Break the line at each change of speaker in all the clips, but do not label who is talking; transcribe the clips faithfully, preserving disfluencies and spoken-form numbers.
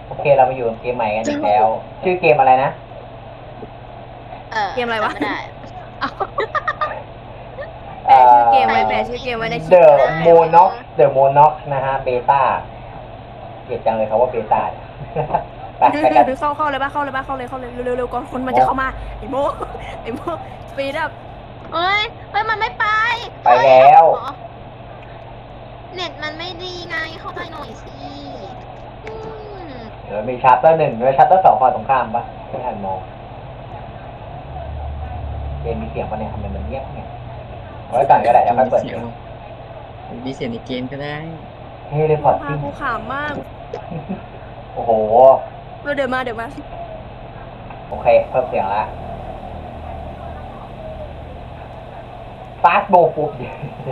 โอเคเรามาอยู่เกมใหม่กันอีกแล้ว ชื่อเกมอะไรนะ
เออ
เกมอะไรวะ
ไม่ได้
แปะชื่อเกมไว้แปะชื่อเกมไว้ในคลิป
The
นะ
Monox The Monox นะฮะเบต้าเกลียดจังเลยครับว่าเบต้าไปไปกัน
เข้าเข้าเลยป่ะเข้าเลยป่ะเข้าเลยเข้าเลยเร็วๆเร็วก่อนคนมันจะเข้ามาไอ้โมไอ้โมสปีดอัพ
เอ้ยเอ้ยมันไม่ไป
ไปแล้ว
อ๋อเน็ตมันไม่ดีไงเข้าใจหน่อยสิอืม
เดี๋ยวมีชาร์เตอร์หนึ่งด้วยชาร์เตอร์สองฝั่งตรงข้ามปะไม่ทันมองเกมมีเสียงปะเนี่ยทำไมมันเงียบเนี่ยไว้ก่อนก็ได้เดี๋ยวค่อยเปิด
เสียงมีเสียงในเกมก็ได้
เฮ้ยเลยพอ
พา
ติ้ง
กูขำมาก
โอ้โห
เดี๋ยวมาเดี๋ยวมา
โอเคเพิ่มเสียงละฟาสโบฟุบ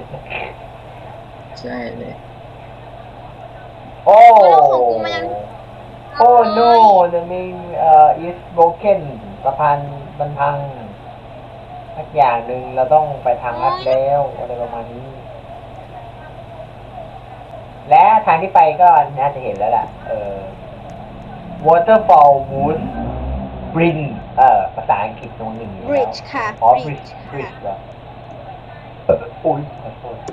ใช่เลย
โอ้
แล้วของกูมันยัง
โอ้ no the main uh is broken สะพานมันพังสักอย่างหนึ่งเราต้องไปทางลัดแล้วอะไรประมาณนี้ และทางที่ไปก็น่าจะเห็นแล้วแหละเออ waterfall wood bridge เอ่อภาษาอังกฤษตรงหนึ่งอยู่แล้ว
bridge ค่ะ
อ๋อ
bridge
bridge
ค่ะ
bridge เหรอเอออุ้ยขอโทษ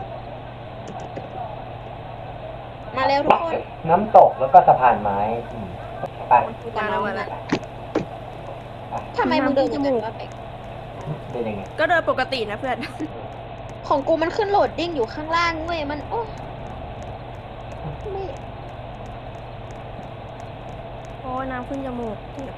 มาเร็วทุกคน
น้ำตกแล้วก็สะพานไม้อืมไป
มาแล้วมาแล้ว
ทำไมมึงเดินอย่างนั้นวะเป็ก
เป็นยังไง
ก็เดินปกตินะเพื่อน
ของกูมันขึ้นโหลดดิ้งอยู่ข้างล่างเว้ยมันโอ้ไม่
โอ้น้ำขึ้นจมูก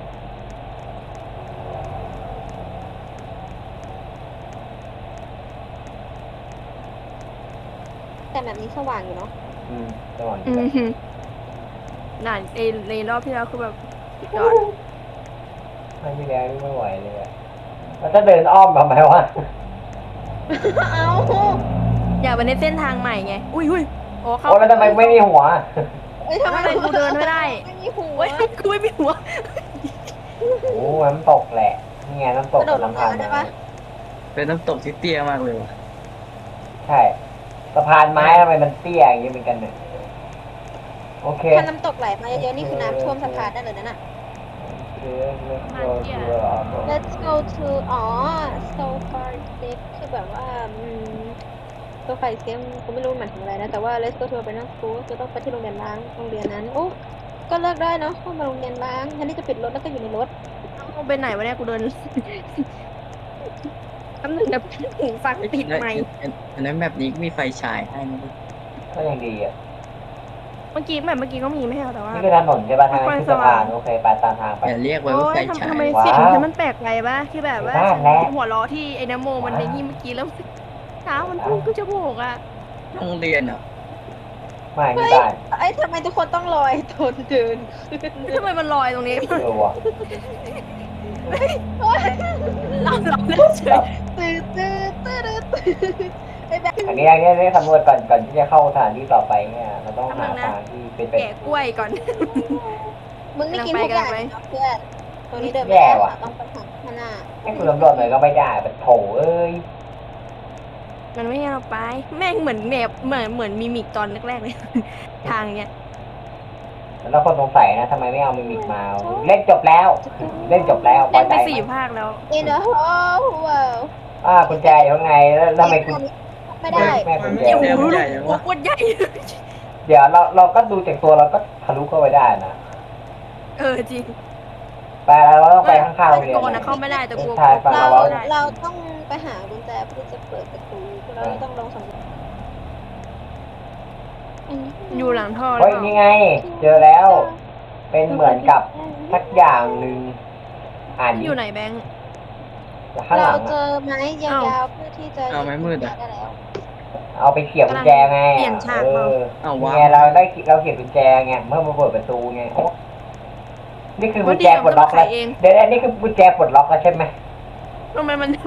แต่แบบนี้สว่างอยู่เนาะ
อืมระหว่าง
อื
นี้
มนั่นในในรอบที่แล้วคือแบบยอด
ไม่มีแรงไม่ไหวเลยอะแล้วถ้าเดินอ้อมทำไมวะ
เอา
อยากไปในเส้นทางใหม่ไงอุ้ยอุ้ยโอ้เข้า
โอ้แล้วทำไมไม่มีหัว
เอ้ยทำไม
ทำไมกูเดินไม่ได้
ไม่มีหัว
เว้ยกูไม่มีหัว
โอ้น้ำตกแหละนี่ไงน้ำตกกับน้ำพานไม้
เป็นน้ำตกที่เตี้ยมากเลยว่ะ
ใช่สะพานไม้ทำไมมันเตี้ยอย่างนี้เหมือนกันเนี่ยโอเค
ถ้าน้ำตกไหลมาเยอะๆนี่คือน้ำท่วมสะพานได้เลยนั่นน่ะ let's go to อ๋อ so far safe คือแบบว่าอืม so far safe กูไม่รู้หมายถึงอะไรนะ แต่ว่า let's go to abandoned school จะต้องไปที่โรงเรียนร้างโรงเรียนนั้นโอ้ก็เลิกได้เนาะเข้ามาโรงเรียนร้างแทนที่จะปิดรถแล้วก็อยู่ในรถ
เอาไปไหนวะเนี่ยกูเดินคำหนึ่งแบบหูฟังติดไหมค์
อันนั้นแบบนี้ก็มีไฟฉายให้นะ
ก็ยังดีอ่ะ
เมื่อกี้แบบเมื่อกี้ก็มีไม่ใช่เหรอแต่ว่า
นี่คือถนนใช่ป่ะทางนั้นคือสะพานโอเคไปตามทางไป
อย่าเรียกไว้ว่า
โอ้
ไฟ
ยทำ
ฉาย
ทำไม
ว้าว
เสียงฉันมันแปลกไปปะที่แบบว่า
บ้านแล้ว
หัวเราะที่ไอ้น้ำโมมันในนี่เมื่อกี้แล้วเท้ามันพุ่งขึ้นจมูกอ่ะ
โรงเรียนอ่ะ
ไม่ไม่
เฮ้ย
ได้
ไอ้ยทำไมทุกคนต้องลอยทนเดินขึ้น
ทำไมมันลอยตรงนี้
เออว่ะ
โอ๊ย
เราเราเล่นเฉย
ตื้อตื้อตื้อตื้อไอ้แบบ
อันนี้อันนี้ได้สำรวจก่อนก่อนที่จะเข้าสถานที่ต่อไปเนี่ยเราต้องหาทางที่เป็นไป
แกะกล้วยก่อน
มึงไม่กินทุกอย่าง
กำลังไป
นะเพื่อนตัวนี้เดินไม่
แย่
ได้
ว่ะ
ต้องไปหาข้างหน้า
ให้คุณตำรวจหน่อยก็ไม่ได้เป็นโถเอ้ย
มันไม่ให้เราไป แม่งเหมือนแบบเหมือนเหมือนมีมิกตอนแรกๆเลย ทางเนี้ย
แล้วคนสงสัยนะทำไมไม่เอามิมิกมา เล่นจบแล้ว เล่นจบแล้วพ
เล่
อน ใจ
ไป
ไหม
สี่ภาคแล้ว
In a whole world
อ่ากุญแจอยู่ข้างในแล้วทำไมคุณ
ไม่ได้
แม่กุญแจ
เดี๋ยว
เดี๋ยว
หู
ใหญ่จัง
หัว
วะ
โคตรใหญ่
เดี๋ยวเราเราก็ดูจากตัวเราก็ทะลุเข้าไปได้นะ
เออจริง
ไปแล้วเราต้องไปข้างๆโรงเรียน
โกนนะเข้าไม่ได้แต่กลัว
ใช่ฟัง
เรา
เรา
เราต้องไปหากุญแจเพื่อจะเปิดประตูเราต้องลองสำรวจ
อยู่หลังท่อหรื
เฮ้
อย เปล่า
นี่ไง เจอแล้ว เป็นเหมือนกับสักอย่างหนึ่งอ่าน
อยู่ไหนแบงค์
ข้างห
เรา
ลัง
เจ
อะ
อไม้ยาวๆเพื่อที่จะ
เอาไม้มืดอะ
ได้แล้ว
เอาไปเขี่ยกุญแจไง
เปลี่ยนฉาก
เอ
มา
อ
เอา
นี่
วะ
ไงเราได้เราเขี่ยกุญแจไงเมื่อมาเปิดประตูไงโอ้นี่คือกุญแจปลดล็อกแล้วเดี๋ยวอันนี้คือกุญแจปลดล็อกแล้วใช่ไหม
ทำไมมัน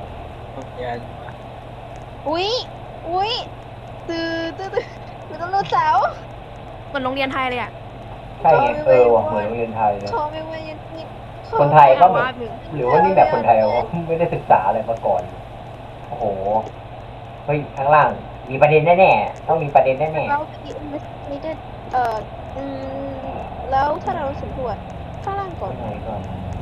อุ้ยอุ้ยตื้อตื้อตื้อตื้อต้องรูดเสา
เหมือนโรงเรียนไทยเลยอ่ะ
ใช่ไงเออว่ะเหมือนโรงเรียนไทยเลย
ขอไม่ว่ายังนี่
คนไทยก็เหมือน
ว่าหนึ่ง
หรือว่านี่แบบคนไทยวะไม่ได้ศึกษาอะไรมาก่อน โอ้โห เฮ้ย ข้างล่าง มีประเด็นแน่ๆ ต้องมีประเด็นแน่
เราไปอินเวสติเกตเอ่ออืมแล้วแล้วถ้าเราสำรวจข้างล่างก่
ก่
อ
อน นไหนก่อน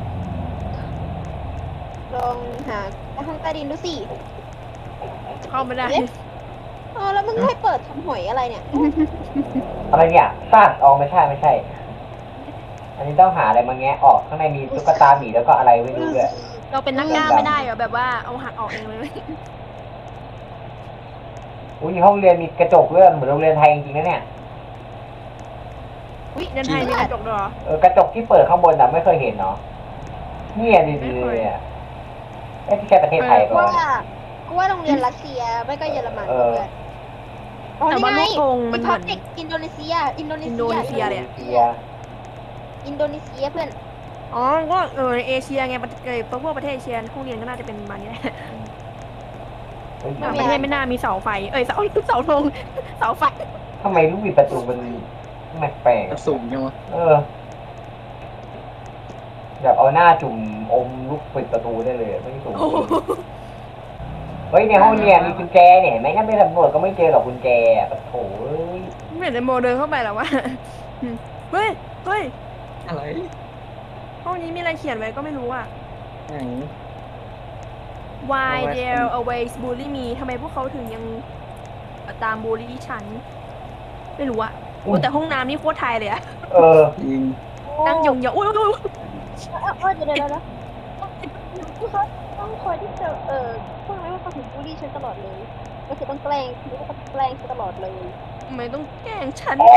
ลองหาห้องใต้ดินดูสิ
เข้าไม่ได้
อ๋อแล้วมึงให้เปิดทำหอยอะไรเนี่ย
อะไรเนี่ยซาดออกไม่ใช่ไม่ใช่ อันนี้ต้องหาอะไรมาแงะออกข้างในมีตุ๊กตาหมีแล้วก็อะไรไม่รู้ด้วย
เราเป็นนักกล้าไม่ได้เหรอแบบว่าเอาหักออกเองเลย
อุ้ยห้องเรียนมีกระจกเลื่อนเหมือนโรงเรียนไทยจริงๆนะเนี่ย
อุ้ยเดินไทยมีกระจกด้วยเหรอ
เออกระจกที่เปิดข้างบนน่ะไม่เคยเห็นเนาะเนี่ยดีๆเลยอ่ะไอ้ที่แค่ประเทศไทย
กู
ก่อน
ว่ากูว่าโรงเรียนรัสเซียไม่ก็เยอรมัน
เออ
เพื่อนอ๋อ
แต่
นี่
ว่า
ไง
ลูกธงมันเหมือน
เด็กอินโดนีเซีย อินโดนี
อิน
เซี
โด
ย
นีเซียเลยอะ
เซีย
อินโดนีเซียเพื่อน
อ๋อก็เออเอเชียไงประเทศพวกประเทศเอเชียห้องเรียนก็น่าจะเป็นประมาณนี้แหละ
เฮ้ย
ต่างประเทศไม่น่ามีเสาไฟ เอ้ยเสาเสาธงเสาไฟ
ทำไมลูกบิดประตูมันแปลกๆอะ
สูงยังวะ
เออแบบเอาหน้าจุ่มอมลูกปิดประตูได้เลยไม่สูง
โอ้โห
เฮ้ยในห้องเรียนมีกุญแจเนี่ยเห็นไหมงั้นไม่สำรวจก็ไม่เจอหรอกกุญแจอะปะโถเอ้ย
ไม่เห็นไอโมเดินเข้าไปหรอวะเฮ้ยเฮ้ย
อะไร
ห้องนี้มีอะไรเขียนไว้ก็ไม่รู้อ่ะ
ไหน
Why
เอาไว้
they always bully me ทำไมพวกเขาถึงยังตามบูลลี่ฉัน ไม่รู้อะโอ้แต่ห้องน้ำนี่โคตรไทยเลยอะ
เออ
ยิง
นั่งยองๆอุ้ยอุ้ยอุ้ย
เออเออเดี๋ยวเดี๋ยวเดี๋ยวเขาต้องคอยที่จะเออพวกนั้นว่าเขาถึงบูลลี่ฉันตลอดเลย ก็คือต้องแกล้งคือว่าเขาแกล้งฉันตลอดเลย
ทำไมต้องแกล้งฉัน
โอ้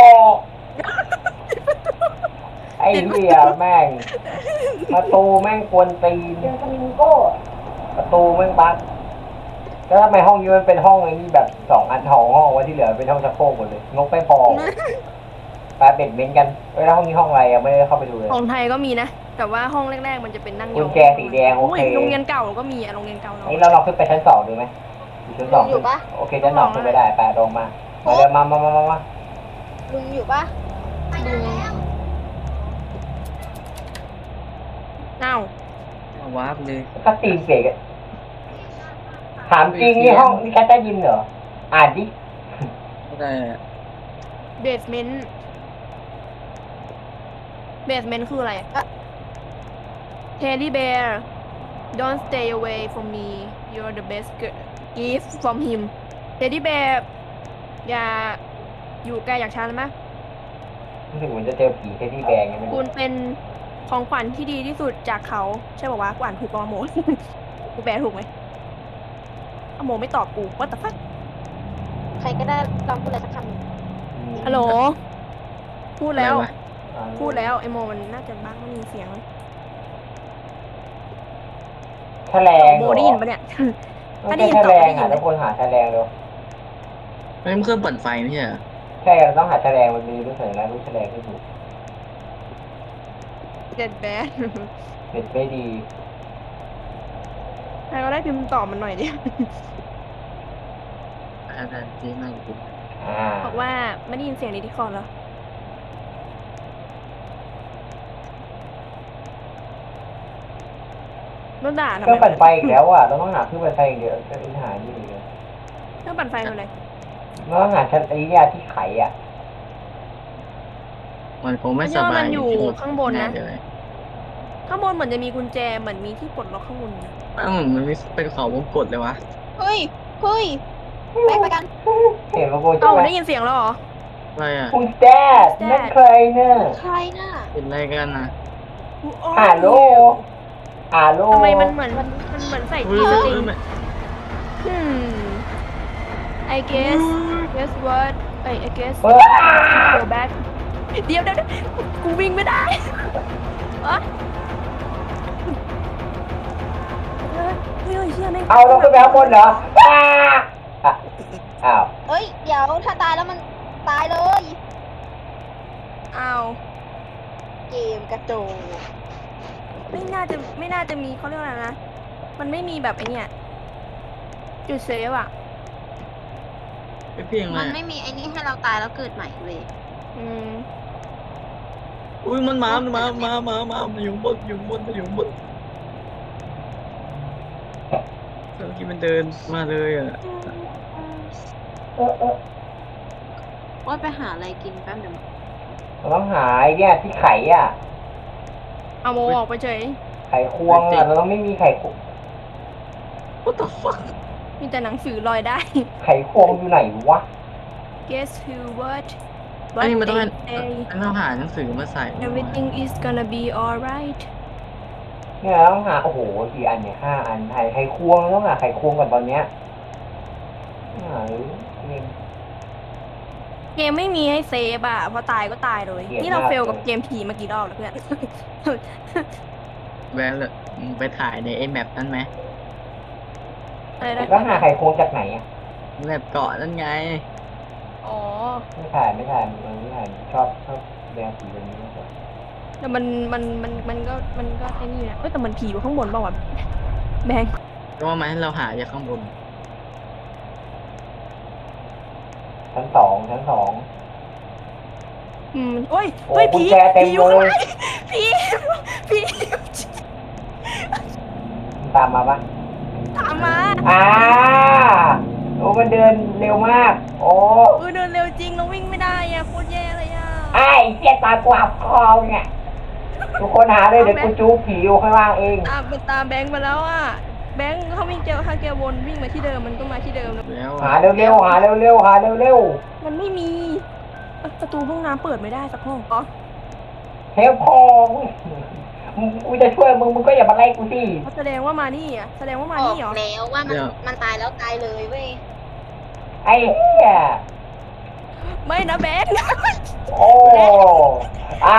ไอ้เหี้ยแม่งประตูแม่งกวนตีนประตูแม่งบั๊กแล้วทำไมห้องนี้มันเป็นห้องไอ้นี่แบบสองอันทองห้องไว้ที่เหลือเป็นห้องชักโครกหมดเลยงกไม่พอไปเบ็ดเม้นกันเอ้ยแล้วห้องนี้ห้องอะไรยังไม่ได้เข้าไปดูเลย
ของไทยก็มีนะ แต่ว่าห้องแรกๆมันจะเป็นนั่งย
กุ
อ
ญ
ง
แจสีแดงโอเค
ยโรงเรียนเก่าก็มีอะโรงเรียนเก่าเรา
ไอ้เราลองขึ้นไปชั้นสองดูไหมอยู่ชั้นสอง
อยู่ปะ
โอเคชั้นสองขึ้นไปได้ไปลงมามาเดินมามามามามา
ลุงอยู่ปะ
อ้าว
เอาวาร์ปเลย
ก็ตีนเสกอะถามจริงนี่ห้องนี่แคทได้ยินเหรออ่านดิ
ก็ได้
เบสเมนต์เบสเมนต์คืออะไรอะ Teddy bear don't stay away from me you're the best girl gift from him Teddy bear อย่าอยู่ไกลจากฉันนะ
รู้สึกเหมือนจะเจอผีแค่ที่แบงไงไม่
คุ
รู้
ณเป็นของขวัญที่ดีที่สุดจากเขา ใช่ป่าวะกูอ่านถูกปะวะโม กูแปลถูกไหมอะโมไม่ตอบกูว่าแต่ฟัก
ใครก็ได้ลองพูดอะไรสักคำหนึ่ง
ฮัลโหล พูดแล้ว
อะไรวะ
อ่า
พูดแล้วไอโมมันน่าจะบ้างไม่มีเสียง
แฉลง
โม
เหรอ
ได้ยินปะเนี่ย
ไม่
ถ้าได้
ใช่
ยิน
แฉ
ตอบ
ล
ไม่
ง
ได้ยิ
อ่ะ
น
ทุกคนหาแฉลงเร็ว
ไม่มันเครื่องปั่นไฟไม่ใช่เหรอ
ใช่เราต้องหาแฉลงมันมีรู้สึกแล้วรู้แฉลงที่ถูก
เด็ดแบด
เด็ดไม่ดี
ใครก็ได้พิมพ์ตอบมันหน่อยดิ
อาจารย์ที่นั่งอยู่
อ่า
บอกว่าไม่ได้ยินเสียงในดิสคอร์ดเหรอโดนด่าทำ
เครื่อง
ไม
ปั่นไฟอีกแล้วอ่ะเราต้องหาเครื่องปั่นไฟอีกเดียวจะหานี่อีกเลย
เครื่องปั่นไฟคืออะไร
เราต้องหาชั้นไอ้เนี่ยที่ไขอ่ะ
มันคงไม่สบาย
มันอยู่
ที่
ข้างบนนะ
แเลย
ข้างบนเหมือนจะมีกุญแจเหมือนมีที่ปลดล็อกข้างบนนะ
อ้าวมันมีเป็นเขาวงกดเลยวะ
เฮ้ย เฮ้ยไปไปกัน
เห็นว่าโก
เอ้า
ใช่ไหม
ได้ยินเสียงแล้วเหรอ
อะไรอ่ะ
คุณแดดนั่นใครเนี่ย
ใครน่ะ
เป็นอะไรกันนะ
Who are
ฮัลโหล
you?
ฮัลโหล
ทำไมมันเหมือนมันเหมือนใส่
อุ้
จี
ย
ส
เอ
ติง
อมัน
hmm I guess guess what เอ้ย I guess
เฮ้ย
go back เดี๋ยวเดี๋ยวเดี๋ยวกูวิ่งไม่ได้อะเฮ้ยเฮ้ยเชื่อแม่ง
เอาเราขึ้นไปข้างบนเหรออ้าอ่ะอ้าว
เฮ้ย เดี๋ยวถ้าตายแล้วมันตายเลย
อ้าว
เกมกระโจน
ไม่น่าจะไม่น่าจะมีเขาเรียกว่าอะไรนะ มันไม่มีแบบไอเนี่ยจุดเซฟอ่ะ
ไม่เพียงเล
มัน
ย
ไม่มีไอ้นี่ให้เราตายแล้วเกิดใหม่เว้ย
อืม
อุ้ยมันมา มันมา มา มา มามันอยู่บนอยู่บนมันอยู่บนเมื่อกี้มันเดินมาเลยอ่ะ
เออเออ
ว่าไปหาอะไรกินแป๊บเดียว
เราต้องหาไอ้เนี่ยที่ไขอ่ะ
เอาโมออกไปเฉย
ไขควงอ่ะเราต้องไม่มีไขควง
What the fuck
มีแต่หนังสือลอยได้
ไขควงอยู่ไหนวะ
Guess who what
อันนี้มันต้อง
What
ให้
they say
อันต้องหาหนังสือมาใส่
Everything is gonna be alright
เนี่ยเราต้องหาโอ้โหกี่อันเนี่ยห้าอันไขไขควงเราต้องหาไขควงก่อนตอนเนี้ยหาเลยเอง
เกมไม่มีให้เซฟอ่ะพอตายก็ตายเลย
เกลียด
นี่เรา
มาก
เฟล
เลย
กับเกมผีมากี่รอบแล้วเพื่อน
แวะเลยมึงไปถ่ายในไอ้แมปนั้นไหม
อะไรนะ
แล้วหาไขควงจากไหนอ่ะ
แมปเกาะนั่นไง
อ๋อ
ไม่ถ่ายไม่ถ่ายมันไม่ถ่ายชอบชอบแดงสีแบบนี้มากกว่า
แต่มันมันมันมันก็มันก็ไอ้นี่นะเอ้ยแต่มันผีอยู่ข้างบนเปล่าวะแบงค์
ก็ว่ามันให้เราหาจากข้างบน
ชั้นสองชั้นสอง
อืมโอ้ย
โอ้
เฮ้ย
กุญ
ผี
แจเต็ม
ผีอยู่
เลย
ข้างในผีผี
ตามมาปะ
ตามมา
อ่าโอ้มันเดินเร็วมาก โอ้
เออเดินเร็วจริงเราวิ่งไม่ได้อ่ะโคตรแย่เลยอ่ะ
ไอ้เจี๊ยตากวาบคอเนี่ยทุกคนหาเลยเดี๋ยวกูจูบผีอยู่ข้างล่างเอง
ตามมันตามแบงค์มาแล้วอ่ะแบงค์เขาวิ่งเจอถ้าแกวนวิ่งมาที่เดิมมันก็มาที่เดิมแล้ว
แล้ว
หาเร็วๆหาเร็วๆหาเร็ว
มันไม่มีเอ้ยประตูห้องน้ำเปิดไม่ได้สักห้องอ๋อ
ๆเฮลพอมึงกูจะช่วยมึงมึงก็อย่ามาไล่กูสิ
แสดงว่ามานี่อ่ะแสดงว่ามา
ออ
นี่
ก
เหรอ
แล้วว่ามันมันตายแล้วตายเลยเว้ย
ไอ้เหี้ย
ไม่นะแบงค์
โอ้อ่า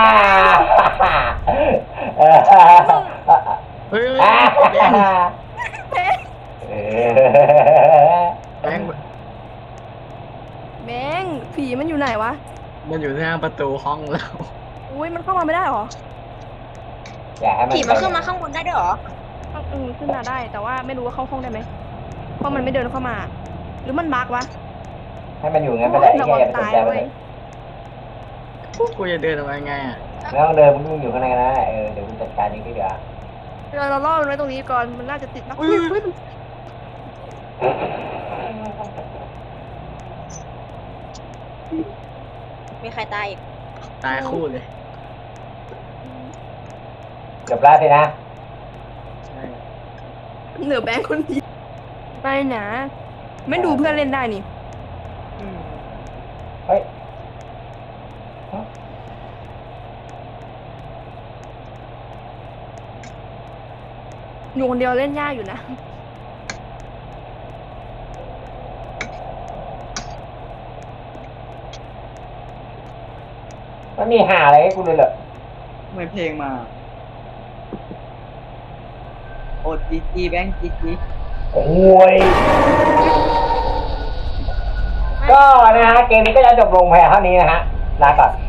เออ
เฮ้ย
อ่า
แบงค์
แบงค์
เออ
แบงค์
แบงค์ผีมันอยู่ไหนวะ
มันอยู่หน้าประตูห้องเรา
อุ้ยมันเข้ามาไม่ได้เหรอ
อย่าให้มัน
ผีมันขึ้นมาข้างบนได้ด้วยเหรอ
อืมขึ้นมาได้แต่ว่าไม่รู้ว่าเข้าห้องได้ไหมเพราะมันไม่เดินเข้ามา หรือมันบั๊กวะ
ให้มันอยู่งั้นไปแหละไอ้
ระ
เหี้ย
วั
อย่าง ไปสน
ตาย
ใจมัน
เว้
เลย ย
พวกกูจะเดินออกมาไงอ่ะ
ไม่ต้องเดินมึงอยู่ข้างในนะเออเดี๋ยวกูจัดการเองดีกว่า
เราเราล่อมันไว้ตรงนี้ก่อนมันน่าจะติดบั๊ก
อุ้ย
อุ้ยมัน
มีใครตายอีก
ตายคู่เลย
เกือบพลาดเลยนะ
ใช่
เหลือแบงค์คนเดียวไปนะไม่ดูเพื่อนเล่นได้นี่
เฮ้ย
อยู่คนเดียวเล่นยากอยู่นะ
มันมีหาอะไรให้กูเลยเหรอ
ทำไมเพลงมา โอดจีจีแบงค์จีจี
โอ้ย ก็นะฮะเกมนี้ก็จะจบลงเพียงเท่านี้นะฮะลาก่อน